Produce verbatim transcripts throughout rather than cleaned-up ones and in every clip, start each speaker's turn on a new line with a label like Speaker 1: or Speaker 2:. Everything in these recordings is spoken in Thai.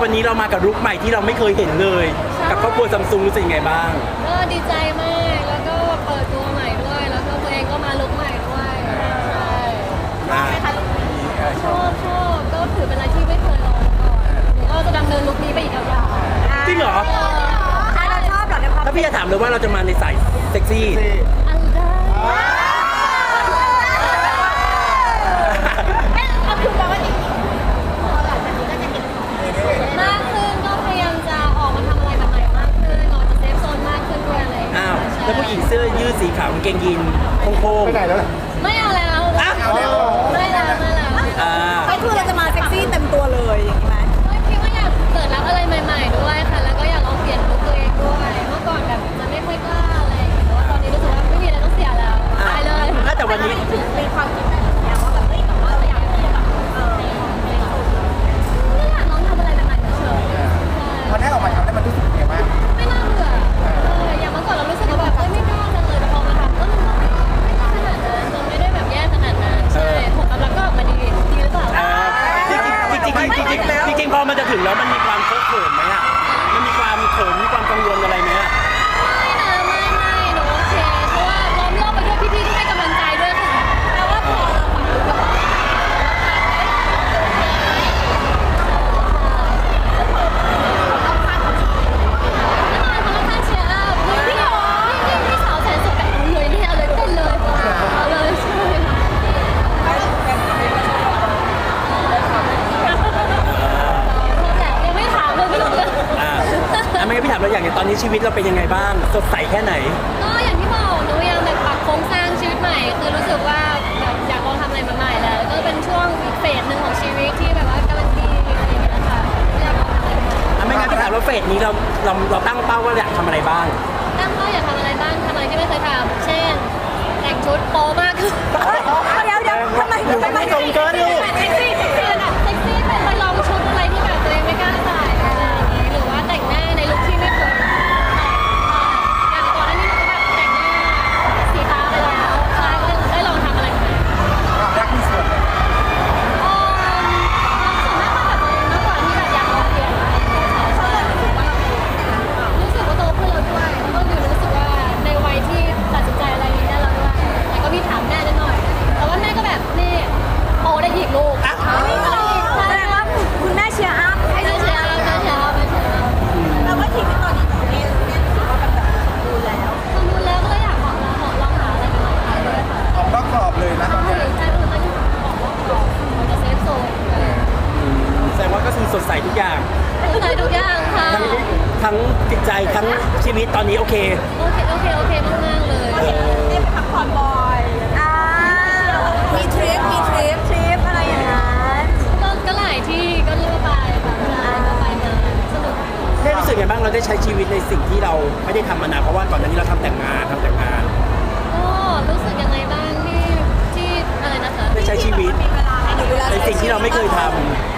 Speaker 1: วันนี้เรามากับลุคใหม่ที่เราไม่เคยเห็นเลยกับครอบครัวซัมซุงรู้สึกยังไงบ้าง
Speaker 2: ก็ดีใจมากแล้วก็เปิดตัวใหม่ด้วยแล้วก็ตัวเองก็มาลุคใหม่ด้วยใช่ชอบไหมคะลุคนี้ชอบชอบก็ถือเป็นอะไรที่ไม่เคยลองมาก่อนก็จะดำเนินลุคนี้ไปอีกยาวๆ
Speaker 1: จริงเหรอ
Speaker 3: ถ้าเราชอบเหรอในความ
Speaker 1: ถ้าพี่จะถามเลยว่าเราจะมาในสายเซ็กซี่
Speaker 2: อันได้เอาคือแปลว่าจริงมากขึ้นก็พยายามจะออกมาทำอะไรแบบใหม่มากขึ้นออกจากเซฟโซนมากขึ้นด้วยอะไร
Speaker 1: อ้าวแล้วผู้หญิงเสื้อยืดสีขาวกางเกงยีนโค้งๆไปไหนแล้ว
Speaker 2: ไม่เอาแล้วไม่แล้วไม่แล้ว
Speaker 3: ไม่คือเราจะมาเซ็กซี่เต็มตัวเลยอย่างนี้ไหม
Speaker 2: ก็คิดว่าอยากเปิดรับอะไรใหม่ๆด้วยค่ะแล้วก็อยากลองเปลี่ยนลุคตัวเองด้วยเมื่อก่อนแบบจะไม่ค่อยกล้าอะไรแต่ว่าตอนนี้รู้สึกว่าไม่มีอะไรต้องเสียแล้วไปเลย
Speaker 1: แต่วันนี้
Speaker 2: มีความคิดแบบนี้ว่าแบบเฮ้ยแต่ว่าเราอยากที่จะแบบเออไม่อยากลองทำอะไรใหม่ๆเฉยๆ
Speaker 4: พอได้ออกมาทำได้มันรู้สึกยังไงบ้าง
Speaker 2: ไม่น่าเบื่ออย่างเมื่อก่อนเรารู้สึกว่าแบบเอ้ยไม่กล้าจังเลยแต่พอมาทำก็มันก็ไม่กล้าขนาดนั้นมันไม่ได้แบบแย่ขนาดนั้นใช่ผลตอบรับก็ออกมาดีดีหรือเปล่า
Speaker 1: จริงจริงจริงจริงจริงจริงพอมันจะถึงแล้วมันมีความเคอะเขินไหมอ่ะมันมีความเขินมีความกังวลอะไรไหมอ่ะ
Speaker 2: ไม่นะไม่ไม่หนูโอเคเพราะว่าล้อมรอบไปด้วยพี่ๆที่ให้กำลังใจด้วยค่ะแต่ว่าพอเราฝังอยู่กับ
Speaker 1: ไม่งั้นพี่ถามเราอย่างตอนนี้ชีวิตเราเป็นยังไงบ้างสดใสแค่ไหน
Speaker 2: ก็อย่างที่บอกหนูยังแบบปรับโครงสร้างชีวิตใหม่คือรู้สึกว่าแบบอยากลองทำอะไรใหม่ๆแล้วก็เป็นช่วงอีกเฟสหนึ่งของชีวิตที่แบบว่ากำลังดีอะไรอย่างเงี้ยค่ะอยากลองทำอะไรใหม่
Speaker 1: ๆไม่งั้นพี่ถามว่าเฟสนี้เราเราเราตั้งเป้าว่าอยากทำอะไรบ้าง
Speaker 2: ตั้งเป้าอยากทำอะไรบ้างทำอะไรที่ไม่เคยทำเช่นแต่งชุดโป๊มากขึ้น
Speaker 3: เดี๋ยวเดี๋ยวทำไม
Speaker 1: ทำไมตรงเกินลูก
Speaker 2: เซ็กซี่เซ็กซี่แบบเซ็กซี่เป็นไปลองชุดอะไรที่แบบตัวเองไม่กล้าใส่อะไรอย่างงี้หรือว่าแต่งหน้าในลุคที่ไม่เคยอย่างก่อนหน้านี้หนูก็แบบแต่งหน้าสีฟ้าไปแล้วใช่ก็ได้ลองทำอะไรใหม่
Speaker 4: รักมีส่วนเลย
Speaker 2: อ๋อส่วนมากมาแบบตัวเองมากกว่าที่แบบอยากลองเปลี่ยนอะไรใช่ใช่รู้สึกว่าโตขึ้นแล้วด้วยแล้วก็ดูรู้สึกว่าในวัยที่ตัดสินใจอะไรนี้ได้แล้วด้วยแต่ก็มีถามแม่นิดหน่อยแต่ว่าแม่ก็แบบนี่โตได้หยิกลูก
Speaker 3: ไม่อะไรแสดงว่าคุณแม่เชียร์อัพให้
Speaker 2: ไม่เชียร์ไม่เชียร์ไม่เชียร์
Speaker 3: แล้วว่าทีมตอนนี้ของเล่นเนี่ยถือว่าเป็นแบบดูแล้ว
Speaker 2: ทำดูแล้วก็อยากลองลองลองหาอะไรใหม่ๆด้วยค่ะ
Speaker 4: ออกนอกกรอบเลยนะตอนนี้
Speaker 2: ใช่คือต้องออกนอกกรอบมันจะเซฟโซน
Speaker 1: แสดงว่าก็คือสดใสทุกอย่าง
Speaker 2: สดใสทุกอย่างค่ะ
Speaker 1: ทั้งจิตใจทั้งชีวิตตอนนี้โอเค
Speaker 2: โอเคโอเคโอเคมากๆเลย
Speaker 3: ได้ไปพักผ่อนบ่อยอ่ามีทริปมีทริปทริปอะไรอย่างนั้น
Speaker 2: ก็ก็หลายที่ก็เลือกไปแบบก็ไปมาสนุก
Speaker 1: ได้รู้สึกไงบ้างเราได้ใช้ชีวิตในสิ่งที่เราไม่ได้ทำมานานเพราะว่าก่อนหน้านี้เราทำแต่งงานทำแต่งงาน
Speaker 2: ก็รู้สึกยังไงบ้างที่ที่อะไรนะคะ
Speaker 1: ได้ใช้ชีวิตในสิ่งที่เราไม่เคยทำ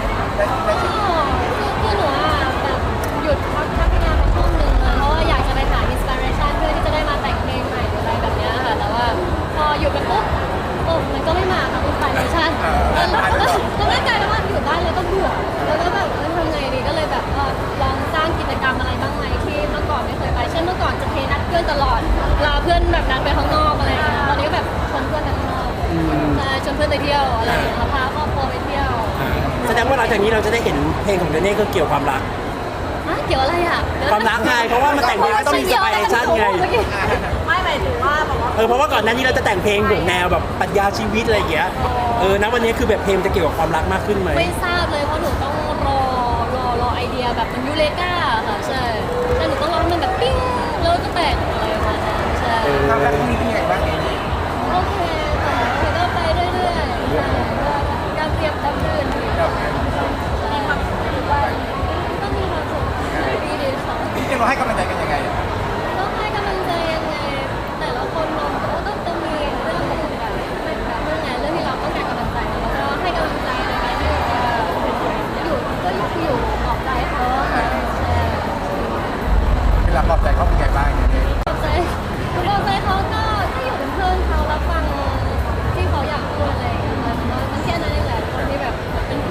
Speaker 2: คือหนูอ่ะแบบหยุดพักพักงานไปช่วงหนึ่งเลยเพราะว่าอยากจะไปหาอินสปิเรชันเพื่อที่จะได้มาแต่งเพลงใหม่หรืออะไรแบบนี้ค่ะแต่ว่าพอหยุดไปปุ๊บโอ้มันก็ไม่มาค่ะอินสปิเรชันแล้วแล้วก็กลายเป็นว่าอยู่บ้านแล้วก็เบื่อแล้วก็แบบทำไงดีก็เลยแบบลองสร้างกิจกรรมอะไรบ้างไหมที่เมื่อก่อนไม่เคยไปเช่นเมื่อก่อนจะเทนัดเพื่อนตลอดลาเพื่อนแบบนัดไปข้างนอกอะไรอย่างเงี้ยตอนนี้ก็แบบชวนเพื่อนไปข้างนอกชวนเพื่อนไปเที่ยวอะไรอย่างเงี้ยพาครอบครัวไปเที่ยว
Speaker 1: แสดงว่าหลังจากนี้เราจะได้เห็นเพลงของเดนนี่ก็เกี่ยวความรัก
Speaker 2: เกี่ยวอะไรอ่ะ
Speaker 1: ความรักไงเพราะว่ามันแต่งเพลงต้องมีอินสปิเรชันไง
Speaker 3: ไม่หมายถึงว่าแบบว่า
Speaker 1: เออเพราะว่าก่อนหน้านี้เราจะแต่งเพลงแบบแนวแบบปรัชญาชีวิตอะไรอย่างเงี้ยเออนะวันนี้คือแบบเพลงจะเกี่ยวกับความรักมากขึ้นไหม
Speaker 2: ไม่ทราบเลยเพราะหนูต้องรอรอรอไอเดียแบบมันยูเลกาค่ะใช่ใช่หนูต้องรอให้มันแบบปิ้งแล้วก็แต่งอะไรประมาณนั้นใช่
Speaker 4: ความรักที่นี่เป็นยังไงบ้าง
Speaker 2: โอเคค่ะคือก็ไปเรื่อยๆใช่ก็การเตรียมรับรื่นมีความสุขว่าก็มีความสุขดีดีค่ะ
Speaker 4: พี่จะเราให้กำลังใจกันยังไง
Speaker 2: ต้องให้กำลังใจยังไงแต่ละคนเราก็ต้องต้องมีเรื่องแบบแบบเรื่องไงเรื่องที่เราต้องการกำลังใจแล้วก็ให้กำลังใจในการที่อยู่ก็อยู่ออกใจเขาค่ะใช่
Speaker 4: เวลาปลอบใจเขาเป็นไงบ้าง
Speaker 2: ปลอบใจปลอบใจเขาก็ถ้าอยู่เป็นเพื่อนเขารับฟังที่เขาอยากพูดอะไรอย่างเงี้ยมันแค่นั้นเองแหละคนที่แบบเป็น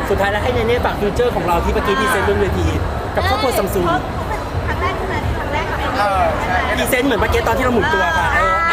Speaker 1: สุดท้ายแล้วให้เนเน่ฝากฟิวเจอร์ของเราที่เมื่อกี้พรีเซนต์บนเวทีกับครอบครัวซัมซุง
Speaker 3: เพราะเป็นครั้งแรกใช่ไหมครั้งแรกกับ
Speaker 4: เออใช่
Speaker 1: พรีเซนต์เหมือนเมื่อกี้ตอนที่เราหมุนตัวค่ะเออ